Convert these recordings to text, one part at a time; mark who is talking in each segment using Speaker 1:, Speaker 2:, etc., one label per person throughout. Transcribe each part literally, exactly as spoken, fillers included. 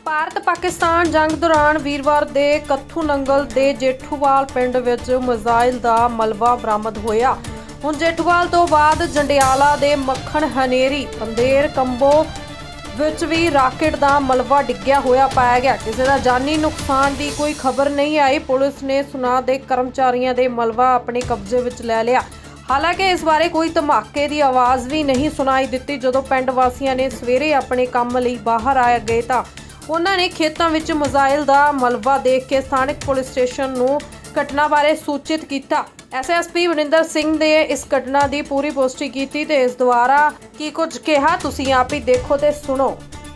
Speaker 1: ਭਾਰਤ ਪਾਕਿਸਤਾਨ ਜੰਗ ਦੌਰਾਨ ਵੀਰਵਾਰ ਦੇ ਕੱਥੂ ਨੰਗਲ ਦੇ ਜੇਠੂਵਾਲ ਪਿੰਡ ਵਿੱਚ ਮਿਜ਼ਾਈਲ ਦਾ ਮਲਬਾ ਬਰਾਮਦ ਹੋਇਆ। ਹੁਣ ਜੇਠੂਵਾਲ ਤੋਂ ਬਾਅਦ ਜੰਡਿਆਲਾ ਦੇ ਮੱਖਣ ਹਨੇਰੀ ਪੰਦੇਰ ਕੰਬੋ ਵਿੱਚ ਵੀ ਰਾਕੇਟ ਦਾ ਮਲਬਾ ਡਿੱਗਿਆ ਹੋਇਆ ਪਾਇਆ ਗਿਆ। ਕਿਸੇ ਦਾ ਜਾਨੀ ਨੁਕਸਾਨ ਦੀ ਕੋਈ ਖਬਰ ਨਹੀਂ ਆਈ। ਪੁਲਿਸ ਨੇ ਸੁਨਾਹ ਦੇ ਕਰਮਚਾਰੀਆਂ ਦੇ ਮਲਬਾ ਆਪਣੇ ਕਬਜ਼ੇ ਵਿੱਚ ਲੈ ਲਿਆ। ਹਾਲਾਂਕਿ ਇਸ ਬਾਰੇ ਕੋਈ ਧਮਾਕੇ ਦੀ ਆਵਾਜ਼ ਵੀ ਨਹੀਂ ਸੁਣਾਈ ਦਿੱਤੀ। ਜਦੋਂ ਪਿੰਡ ਵਾਸੀਆਂ ਨੇ ਸਵੇਰੇ ਆਪਣੇ ਕੰਮ ਲਈ ਬਾਹਰ ਆ ਗਏ ਤਾਂ ਉਹਨਾਂ ਨੇ ਖੇਤਾਂ ਵਿੱਚ ਮਿਜ਼ਾਈਲ ਦਾ ਮਲਬਾ ਦੇਖ ਕੇ ਸਥਾਨਕ ਪੁਲਿਸ ਸਟੇਸ਼ਨ ਨੂੰ ਘਟਨਾ ਬਾਰੇ ਸੂਚਿਤ ਕੀਤਾ। S S P Varinder Singh ਨੇ ਇਸ ਘਟਨਾ ਦੀ ਪੂਰੀ ਪੁਸ਼ਟੀ ਕੀਤੀ ਤੇ ਇਸ ਦੁਆਰਾ ਕੀ ਕੁਝ ਕਿਹਾ ਤੁਸੀਂ ਆਪ ਹੀ ਦੇਖੋ ਤੇ ਸੁਣੋ।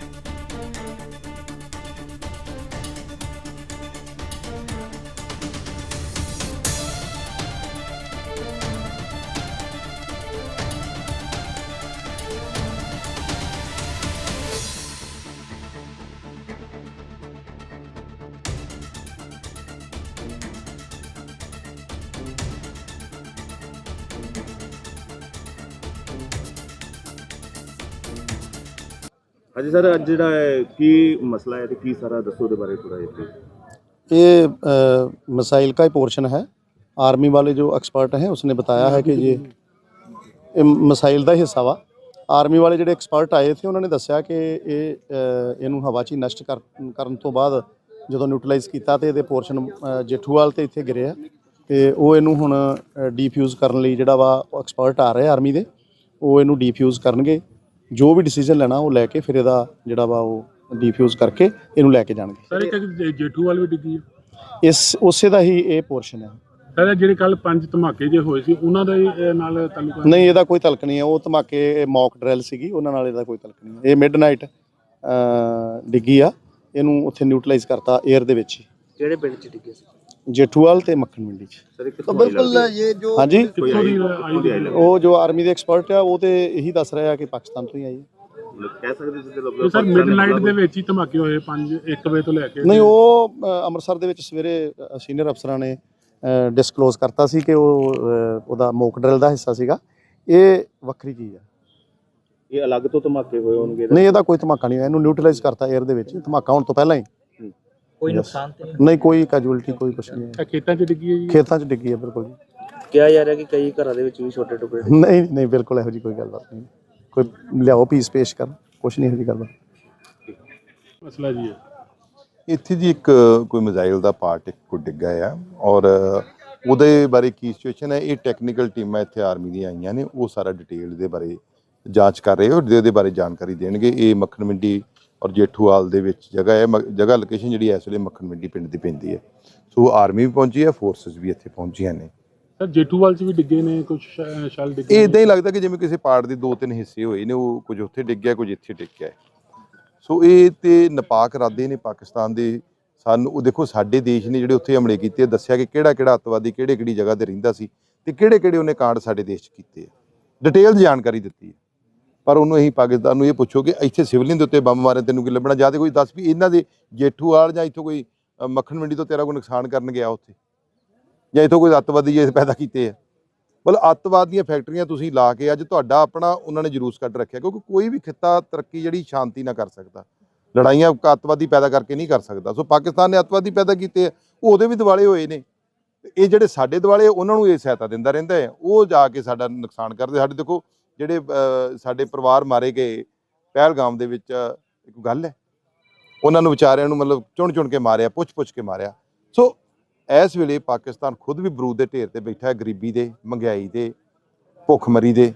Speaker 2: ਹਾਂਜੀ सर, अज जिहड़ा है की मसला है तो की सारा दसो दे बारे थोड़ा जिहा।
Speaker 3: ये मिसाइल का ही पोर्शन है। आर्मी वाले जो एक्सपर्ट हैं उसने बताया है कि ये ये मिसाइल का हिस्सा वा। आर्मी वाले ਜਿਹੜੇ एक्सपर्ट ਆਏ थे ਉਹਨਾਂ ਨੇ ਦੱਸਿਆ ਕਿ ਇਹ ਇਹਨੂੰ ਹਵਾ 'ਚ ਨਸ਼ਟ ਕਰਨ ਤੋਂ ਬਾਅਦ ਜਦੋਂ ਨਿਊਟਰਲਾਈਜ਼ ਕੀਤਾ ਤੇ ਇਹਦੇ ਪੋਰਸ਼ਨ ਜੇਠੂਵਾਲ ਤੇ ਇੱਥੇ ਗਿਰਿਆ ਤੇ ਉਹ ਇਹਨੂੰ ਹੁਣ ਡੀਫਿਊਜ਼ ਕਰਨ ਲਈ ਜਿਹੜਾ ਵਾ ਐਕਸਪਰਟ ਆ ਰਹੇ ਆਰਮੀ ਦੇ, ਉਹ ਇਹਨੂੰ ਡੀਫਿਊਜ਼ ਕਰਨਗੇ। जो भी डिसीजन लेना वो लैके फिर ਇਹਦਾ ਜਿਹੜਾ ਵਾ ਉਹ ਡੀਫਿਊਜ਼ ਕਰਕੇ ਇਹਨੂੰ ਲੈ ਕੇ ਜਾਣਗੇ।
Speaker 4: ਸਰ ਇੱਕ ਜੇਠੂਵਾਲ ਵੀ ਡਿੱਗੀ ਹੈ
Speaker 3: ਇਸ ਉਸੇ ਦਾ ਹੀ ਇਹ ਪੋਰਸ਼ਨ ਹੈ।
Speaker 4: ਸਰ ਜਿਹੜੇ ਕੱਲ ਪੰਜ ਧਮਾਕੇ ਜੇ ਹੋਏ ਸੀ ਉਹਨਾਂ ਦਾ ਨਾਲ ਤਾਲੁਕ
Speaker 3: ਨਹੀਂ, ਇਹਦਾ ਕੋਈ ਤਲਕ ਨਹੀਂ ਹੈ। ਉਹ ਧਮਾਕੇ ਮੌਕ ਡਰਿਲ ਸੀਗੀ, ਉਹਨਾਂ ਨਾਲ ਇਹਦਾ ਕੋਈ ਤਲਕ ਨਹੀਂ ਹੈ। ਇਹ ਮਿਡਨਾਈਟ ਡਿੱਗੀ ਆ, ਇਹਨੂੰ ਉੱਥੇ ਨਿਊਟਰਲਾਈਜ਼ ਕਰਤਾ 에ਅਰ ਦੇ ਵਿੱਚ।
Speaker 2: ਕਿਹੜੇ ਪਿੰਡ 'ਚ ਡਿੱਗੇ ਸੀ?
Speaker 3: ਜੇਠੂਵਾਲ ਤੇ ਮੱਖਣ ਮੰਡੀ 'ਚ।
Speaker 2: ਸਰ ਬਿਲकुल ਇਹ ਜੋ
Speaker 3: ਹਾਂਜੀ,
Speaker 4: ਉਹ
Speaker 3: ਉਹ ਜੋ ਆਰਮੀ ਦੇ ਐਕਸਪਰਟ ਆ ਉਹ ਤੇ ਇਹੀ ਦੱਸ ਰਿਹਾ ਕਿ ਪਾਕਿਸਤਾਨ ਤੋਂ ਹੀ ਆਈ ਹੈ।
Speaker 2: ਕਹਿ ਸਕਦੇ ਸੀ
Speaker 4: ਸਰ ਮਿਡਨਾਈਟ ਦੇ ਵਿੱਚ ਹੀ ਧਮਾਕੇ ਹੋਏ ਪੰਜ ਇੱਕ ਵਜੇ ਤੋਂ ਲੈ ਕੇ।
Speaker 3: ਨਹੀਂ, ਉਹ ਅੰਮ੍ਰਿਤਸਰ ਦੇ ਵਿੱਚ ਸਵੇਰੇ ਸੀਨੀਅਰ ਅਫਸਰਾਂ ਨੇ ਡਿਸਕਲੋਜ਼ ਕਰਤਾ ਸੀ ਕਿ ਉਹ ਉਹਦਾ ਮੌਕ ਡਰਿਲ ਦਾ ਹਿੱਸਾ ਸੀਗਾ। ਇਹ ਵੱਖਰੀ ਚੀਜ਼ ਆ।
Speaker 2: ਇਹ ਅਲੱਗ ਤੋਂ ਧਮਾਕੇ ਹੋਏ ਹੋਣਗੇ?
Speaker 3: ਨਹੀਂ, ਇਹਦਾ ਕੋਈ ਧਮਾਕਾ ਨਹੀਂ ਹੋਇਆ। ਇਹਨੂੰ ਨਿਊਟਰਲਾਈਜ਼ ਕਰਤਾ 에ਅਰ ਦੇ ਵਿੱਚ। ਧਮਾਕਾ ਹੋਣ ਤੋਂ ਪਹਿਲਾਂ ਹੀ
Speaker 2: ਕੋਈ ਨੁਕਸਾਨ ਤੇ
Speaker 3: ਨਹੀਂ, ਕੋਈ ਕੈਜੂਅਲਟੀ ਕੋਈ ਕੁਛ ਨਹੀਂ ਹੈ।
Speaker 4: ਖੇਤਾਂ 'ਚ ਡਿੱਗੀ ਹੈ ਜੀ?
Speaker 3: ਖੇਤਾਂ 'ਚ ਡਿੱਗੀ ਹੈ, ਬਿਲਕੁਲ ਜੀ।
Speaker 2: ਕਿਹਾ ਜਾ ਰਿਹਾ ਕਿ ਕਈ ਘਰਾਂ ਦੇ ਵਿੱਚ ਵੀ ਛੋਟੇ ਟੁਕੜੇ।
Speaker 3: ਨਹੀਂ ਨਹੀਂ, ਬਿਲਕੁਲ ਇਹੋ ਜਿਹੀ ਕੋਈ ਗੱਲਬਾਤ ਨਹੀਂ। ਕੋਈ ਲਿਆਓ ਪੀਸ ਪੇਸ਼ ਕਰ, ਕੁਛ ਨਹੀਂ ਇਹੋ ਜਿਹੀ ਗੱਲਬਾਤ।
Speaker 4: ਮਸਲਾ ਜੀ ਹੈ
Speaker 5: ਇੱਥੇ ਜੀ ਇੱਕ ਕੋਈ ਮਿਜ਼ਾਈਲ ਦਾ ਪਾਰਟ ਇੱਕ ਕੋਈ ਡਿੱਗਾ ਆ ਔਰ ਉਹਦੇ ਬਾਰੇ ਕੀ ਸਿਚੁਏਸ਼ਨ ਹੈ, ਇਹ ਟੈਕਨੀਕਲ ਟੀਮਾਂ ਇੱਥੇ ਆਰਮੀ ਦੀਆਂ ਆਈਆਂ ਨੇ, ਉਹ ਸਾਰਾ ਡਿਟੇਲ ਦੇ ਬਾਰੇ ਜਾਂਚ ਕਰ ਰਹੇ ਔਰ ਇਹਦੇ ਬਾਰੇ ਜਾਣਕਾਰੀ ਦੇਣਗੇ। ਇਹ ਮੱਖਣ ਮੰਡੀ ਔਰ ਜੇਠੂਵਾਲ ਦੇ ਵਿੱਚ ਜਗ੍ਹਾ ਹੈ। ਜਗ੍ਹਾ ਲੋਕੇਸ਼ਨ ਜਿਹੜੀ ਇਸ ਵੇਲੇ ਮੱਖਣ ਮੰਡੀ ਪਿੰਡ ਦੀ ਪੈਂਦੀ ਹੈ। ਸੋ ਆਰਮੀ ਵੀ ਪਹੁੰਚੀ ਹੈ, ਫੋਰਸਿਸ ਵੀ ਇੱਥੇ ਪਹੁੰਚੀਆਂ ਨੇ।
Speaker 4: ਸਰ ਜੇਠੂਵਾਲ 'ਚ ਵੀ ਡਿੱਗੇ ਨੇ ਕੁਝ ਸ਼ੈਲ ਡਿੱਗੇ?
Speaker 5: ਇਹ ਇੱਦਾਂ ਹੀ ਲੱਗਦਾ ਕਿ ਜਿਵੇਂ ਕਿਸੇ ਪਾਰਟ ਦੇ ਦੋ ਤਿੰਨ ਹਿੱਸੇ ਹੋਏ ਨੇ, ਉਹ ਕੁਝ ਉੱਥੇ ਡਿੱਗਿਆ ਕੁਝ ਇੱਥੇ ਡਿੱਗਿਆ। ਸੋ ਇਹ ਤੇ ਨਾਪਾਕ ਇਰਾਦੇ ਨੇ ਪਾਕਿਸਤਾਨ ਦੇ। ਸਾਨੂੰ ਉਹ ਦੇਖੋ, ਸਾਡੇ ਦੇਸ਼ ਨੇ ਜਿਹੜੇ ਉੱਥੇ ਹਮਲੇ ਕੀਤੇ, ਦੱਸਿਆ ਕਿ ਕਿਹੜਾ ਕਿਹੜਾ ਅੱਤਵਾਦੀ ਕਿਹੜੇ ਕਿਹੜੀ ਜਗ੍ਹਾ ਤੇ ਰਹਿੰਦਾ ਸੀ ਤੇ ਕਿਹੜੇ ਕਿਹੜੇ ਉਹਨੇ ਕਾਂਡ ਸਾਡੇ ਦੇਸ਼ 'ਚ ਕੀਤੇ ਆ। ਡਿਟੇਲ ਜਾਣਕਾਰੀ ਦਿੱਤੀ ਹੈ। ਪਰ ਉਹਨੂੰ ਅਸੀਂ ਪਾਕਿਸਤਾਨ ਨੂੰ ਇਹ ਪੁੱਛੋ ਕਿ ਇੱਥੇ ਸਿਵਲਿਅਨ ਦੇ ਉੱਤੇ ਬੰਬ ਮਾਰੇ ਤੈਨੂੰ ਕੀ ਲੱਭਣਾ? ਜਾਂ ਤਾਂ ਕੋਈ ਦੱਸ ਵੀ ਇਹਨਾਂ ਦੇ ਜੇਠੂਵਾਲ ਜਾਂ ਇੱਥੋਂ ਕੋਈ ਮੱਖਣ ਮੰਡੀ ਤੋਂ ਤੇਰਾ ਕੋਈ ਨੁਕਸਾਨ ਕਰਨ ਗਿਆ ਉੱਥੇ, ਜਾਂ ਇੱਥੋਂ ਕੋਈ ਅੱਤਵਾਦੀ ਜੇ ਪੈਦਾ ਕੀਤੇ ਆ। ਮਤਲਬ ਅੱਤਵਾਦ ਦੀਆਂ ਫੈਕਟਰੀਆਂ ਤੁਸੀਂ ਲਾ ਕੇ ਅੱਜ ਤੁਹਾਡਾ ਆਪਣਾ ਉਹਨਾਂ ਨੇ ਜਲੂਸ ਕੱਢ ਰੱਖਿਆ। ਕਿਉਂਕਿ ਕੋਈ ਵੀ ਖਿੱਤਾ ਤਰੱਕੀ ਜਿਹੜੀ ਸ਼ਾਂਤੀ ਨਾਲ ਕਰ ਸਕਦਾ, ਲੜਾਈਆਂ ਅੱਤਵਾਦੀ ਪੈਦਾ ਕਰਕੇ ਨਹੀਂ ਕਰ ਸਕਦਾ। ਸੋ ਪਾਕਿਸਤਾਨ ਨੇ ਅੱਤਵਾਦੀ ਪੈਦਾ ਕੀਤੇ ਆ, ਉਹ ਉਹਦੇ ਵੀ ਦਿਵਾਲੇ ਹੋਏ ਨੇ। ਇਹ ਜਿਹੜੇ ਸਾਡੇ ਦਿਵਾਲੇ ਉਹਨਾਂ ਨੂੰ ਇਹ ਸਹਾਇਤਾ ਦਿੰਦਾ ਰਹਿੰਦਾ ਹੈ, ਉਹ ਜਾ ਕੇ ਸਾਡਾ ਨੁਕਸਾਨ ਕਰਦੇ। ਸਾਡੇ ਦੇਖੋ ਜਿਹੜੇ ਸਾਡੇ ਪਰਿਵਾਰ ਮਾਰੇ ਗਏ ਪਹਿਲਗਾਮ ਦੇ ਵਿੱਚ, ਇੱਕ ਗੱਲ ਹੈ, ਉਹਨਾਂ ਨੂੰ ਵਿਚਾਰਿਆਂ ਨੂੰ ਮਤਲਬ ਚੁਣ ਚੁਣ ਕੇ ਮਾਰਿਆ, ਪੁੱਛ ਪੁੱਛ ਕੇ ਮਾਰਿਆ। ਸੋ ਇਸ ਵੇਲੇ ਪਾਕਿਸਤਾਨ ਖੁਦ ਵੀ ਬਰੂਦ ਦੇ ਢੇਰ ਤੇ ਬੈਠਾ ਹੈ, ਗਰੀਬੀ ਦੇ, ਮਹਿੰਗਾਈ ਦੇ, ਭੁੱਖਮਰੀ ਦੇ।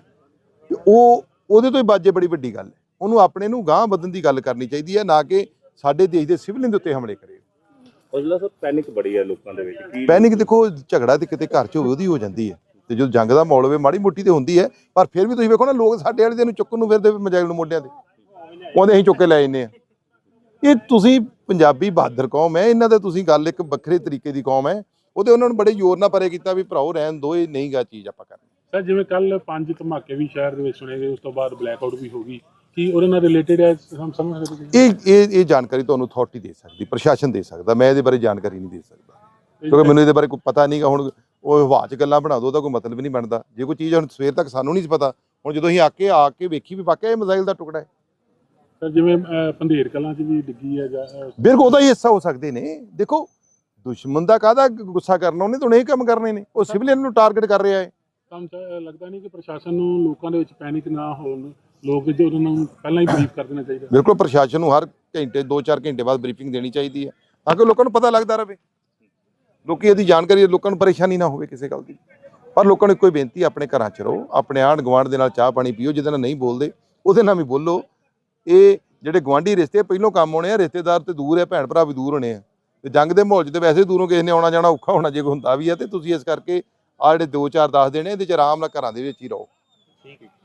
Speaker 5: ਉਹ ਉਹਦੇ ਤੋਂ ਹੀ ਬਾਜੇ ਬੜੀ ਵੱਡੀ ਗੱਲ ਹੈ। ਉਹਨੂੰ ਆਪਣੇ ਨੂੰ ਗਾਂਹ ਵਧਣ ਦੀ ਗੱਲ ਕਰਨੀ ਚਾਹੀਦੀ ਹੈ, ਨਾ ਕਿ ਸਾਡੇ ਦੇਸ਼ ਦੇ ਸਿਵਲਿਅਨ ਦੇ ਉੱਤੇ ਹਮਲੇ ਕਰੇ।
Speaker 2: ਉਸਲਾ ਸਰ ਪੈਨਿਕ ਬੜੀ ਹੈ ਲੋਕਾਂ ਦੇ ਵਿੱਚ।
Speaker 5: ਪੈਨਿਕ ਦੇਖੋ, ਝਗੜਾ ਤੇ ਕਿਤੇ ਘਰ 'ਚ ਹੋਵੇ ਉਹਦੀ ਹੋ ਜਾਂਦੀ ਹੈ, ਤੇ ਜਦੋਂ ਜੰਗ ਦਾ ਮਾਹੌਲ ਹੋਵੇ ਮਾੜੀ ਮੋਟੀ ਤੇ ਹੁੰਦੀ ਹੈ। ਪਰ ਫਿਰ ਵੀ ਤੁਸੀਂ ਵੇਖੋ ਨਾ, ਲੋਕ ਸਾਡੇ ਵਾਲੇ ਨੂੰ ਚੁੱਕਣ ਨੂੰ ਫਿਰਦੇ ਮਿਜ਼ਾਈਲ ਨੂੰ ਮੋਢਿਆਂ ਤੇ, ਉਹਦੇ ਅਸੀਂ ਚੁੱਕ ਕੇ ਲੈ ਜਾਂਦੇ ਆ। ਇਹ ਤੁਸੀਂ ਪੰਜਾਬੀ ਬਹਾਦਰ ਕੌਮ ਹੈ, ਇਹਨਾਂ ਦਾ ਤੁਸੀਂ ਗੱਲ ਇੱਕ ਵੱਖਰੇ ਤਰੀਕੇ ਦੀ ਕੌਮ ਹੈ। ਉਹਦੇ ਉਹਨਾਂ ਨੂੰ ਬੜੇ ਜ਼ੋਰ ਨਾਲ ਪਰੇ ਕੀਤਾ ਵੀ ਭਰਾਓ ਰਹਿਣ ਦੋ, ਇਹ ਨਹੀਂ ਗਾ ਚੀਜ਼ ਆਪਾਂ ਕਰਨੀ।
Speaker 4: ਸਰ ਜਿਵੇਂ ਕੱਲ ਪੰਜ ਧਮਾਕੇ ਵੀ ਸ਼ਹਿਰ ਦੇ ਵਿੱਚ ਸੁਣੇ ਗਏ, ਉਸ ਤੋਂ ਬਾਅਦ ਬਲੈਕ ਆਊਟ ਵੀ ਹੋ ਗਈ, ਕੀ ਉਹਦੇ ਨਾਲ ਰਿਲੇਟਡ ਹੈ? ਹਮ ਸਮਝ ਸਕਦੇ
Speaker 5: ਇਹ ਇਹ ਇਹ ਜਾਣਕਾਰੀ ਤੁਹਾਨੂੰ ਅਥਾਰਟੀ ਦੇ ਸਕਦੀ, ਪ੍ਰਸ਼ਾਸਨ ਦੇ ਸਕਦਾ। ਮੈਂ ਇਹਦੇ ਬਾਰੇ ਜਾਣਕਾਰੀ ਨਹੀਂ ਦੇ ਸਕਦਾ ਕਿਉਂਕਿ ਮੈਨੂੰ ਇਹਦੇ ਬਾਰੇ ਕੋਈ ਪਤਾ ਨਹੀਂਗਾ। ਹੁਣ ਉਹ ਹਵਾ 'ਚ ਗੱਲਾਂ ਬਣਾ ਦੋ, ਉਹਦਾ ਕੋਈ ਮਤਲਬ ਨਹੀਂ ਬਣਦਾ। ਜੇ ਕੋਈ ਚੀਜ਼ ਹੁਣ ਸਵੇਰ ਤੱਕ ਸਾਨੂੰ ਨਹੀਂ ਪਤਾ, ਹੁਣ ਜਦੋਂ ਅਸੀਂ ਆ ਕੇ ਆ ਕੇ ਵੇਖੀ ਵੀ ਵਾਕਿਆ ਇਹ ਮਿਜ਼ਾਈਲ ਦਾ ਟੁਕੜਾ ਹੈ,
Speaker 4: ਸਰ ਜਿਵੇਂ ਅਹ, ਪੰਧੇਰ ਕਲਾਂ 'ਚ ਵੀ ਡਿੱਗੀ ਹੈ ਜਾਂ ਅਹ,
Speaker 5: ਬਿਲਕੁਲ ਉਹਦਾ ਹੀ ਹਿੱਸਾ ਹੋ ਸਕਦੇ ਨੇ। ਦੇਖੋ ਦੁਸ਼ਮਣ ਦਾ ਕਾਹਦਾ ਗੁੱਸਾ ਕਰਨਾ, ਉਹਨੇ ਤਾਂ ਹੁਣ ਇਹ ਕੰਮ ਕਰਨੇ ਨੇ। ਉਹ ਸਿਵਲੀਅਨ ਨੂੰ ਟਾਰਗੇਟ ਕਰ ਰਿਹਾ ਹੈ।
Speaker 4: ਤੁਹਾਨੂੰ ਤਾਂ ਲੱਗਦਾ ਨਹੀਂ ਕਿ ਪ੍ਰਸ਼ਾਸਨ ਨੂੰ ਲੋਕਾਂ ਦੇ ਵਿੱਚ ਪੈਨਿਕ ਨਾ ਹੋਣ, ਲੋਕ ਜੋ ਉਹਨਾਂ ਨੂੰ ਪਹਿਲਾਂ ਹੀ ਬਰੀਫ ਕਰ ਦੇਣਾ ਚਾਹੀਦਾ?
Speaker 5: ਬਿਲਕੁਲ ਪ੍ਰਸ਼ਾਸਨ ਨੂੰ ਹਰ ਘੰਟੇ ਦੋ ਚਾਰ ਘੰਟੇ ਬਾਅਦ ਬਰੀਫਿੰਗ ਦੇਣੀ ਚਾਹੀਦੀ ਹੈ ਤਾਂ ਕਿ ਲੋਕਾਂ ਨੂੰ ਪਤਾ ਲੱਗਦਾ ਰਹੇ, ਲੋਕੀ ਇਹਦੀ ਜਾਣਕਾਰੀ, ਲੋਕਾਂ ਨੂੰ ਪਰੇਸ਼ਾਨੀ ਨਾ ਹੋਵੇ ਕਿਸੇ ਗੱਲ ਦੀ। ਪਰ ਲੋਕਾਂ ਨੂੰ ਇੱਕੋ ਹੀ ਬੇਨਤੀ, ਆਪਣੇ ਘਰਾਂ 'ਚ ਰਹੋ, ਆਪਣੇ ਆਂਢ ਗੁਆਂਢ ਦੇ ਨਾਲ ਚਾਹ ਪਾਣੀ ਪੀਓ, ਜਿਹਦੇ ਨਾਲ ਨਹੀਂ ਬੋਲਦੇ ਉਹਦੇ ਨਾਲ ਵੀ ਬੋਲੋ। ਇਹ ਜਿਹੜੇ ਗੁਆਂਢੀ ਰਿਸ਼ਤੇ ਪਹਿਲੋਂ ਕੰਮ ਆਉਣੇ ਆ, ਰਿਸ਼ਤੇਦਾਰ ਤੇ ਦੂਰ ਆ, ਭੈਣ ਭਰਾ ਵੀ ਦੂਰ ਹੋਣੇ ਆ, ਤੇ ਜੰਗ ਦੇ ਮਾਹੌਲ 'ਚ ਤੇ ਵੈਸੇ ਦੂਰੋਂ ਕਿਸੇ ਨੇ ਆਉਣਾ ਜਾਣਾ ਔਖਾ ਹੋਣਾ ਜੇ ਕੋਈ ਹੁੰਦਾ ਵੀ ਆ। ਤੇ ਤੁਸੀਂ ਇਸ ਕਰਕੇ ਆਹ ਜਿਹੜੇ ਦੋ ਚਾਰ ਦਸ ਦਿਨ ਇਹਦੇ 'ਚ ਆਰਾਮ ਨਾਲ ਘਰਾਂ ਦੇ ਵਿੱਚ ਹੀ ਰਹੋ।
Speaker 2: ਠੀਕ ਹੈ।